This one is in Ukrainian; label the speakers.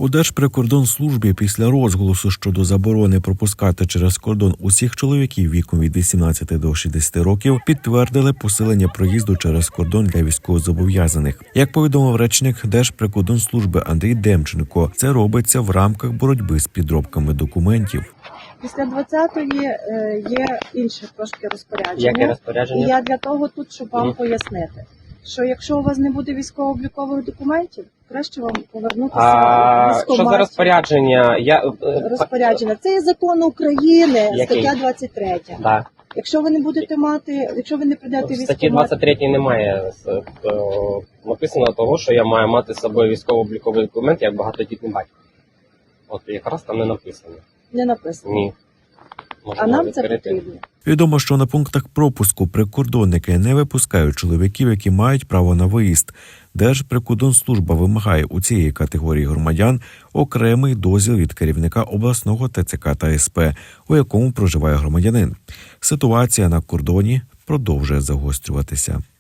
Speaker 1: У Держприкордонслужбі після розголосу щодо заборони пропускати через кордон усіх чоловіків віком від 18 до 60 років підтвердили посилення проїзду через кордон для військовозобов'язаних. Як повідомив речник Держприкордонслужби Андрій Демченко, це робиться в рамках боротьби з підробками документів.
Speaker 2: Після 20-ї є інше трошки розпорядження.
Speaker 3: Яке розпорядження?
Speaker 2: І я для того тут, щоб вам пояснити, що якщо у вас не буде військово-облікових документів, краще вам повернутися в військкомат.
Speaker 3: Що за розпорядження?
Speaker 2: Розпорядження. Це є закон України,
Speaker 3: Який?
Speaker 2: стаття 23.
Speaker 3: Да.
Speaker 2: Якщо ви не будете мати, якщо ви не прийдете в
Speaker 3: В статті
Speaker 2: військкомат,
Speaker 3: 23 немає написано того, що я маю мати з собою військово-обліковий документ як багатодітний батько. От якраз там не написано.
Speaker 2: не написано.
Speaker 3: Ні.
Speaker 2: А
Speaker 3: Можна
Speaker 2: нам це
Speaker 3: відкрити.
Speaker 2: потрібно.
Speaker 1: Відомо, що на пунктах пропуску прикордонники не випускають чоловіків, які мають право на виїзд. Держприкордонслужба вимагає у цієї категорії громадян окремий дозвіл від керівника обласного ТЦК та СП, у якому проживає громадянин. Ситуація на кордоні продовжує загострюватися.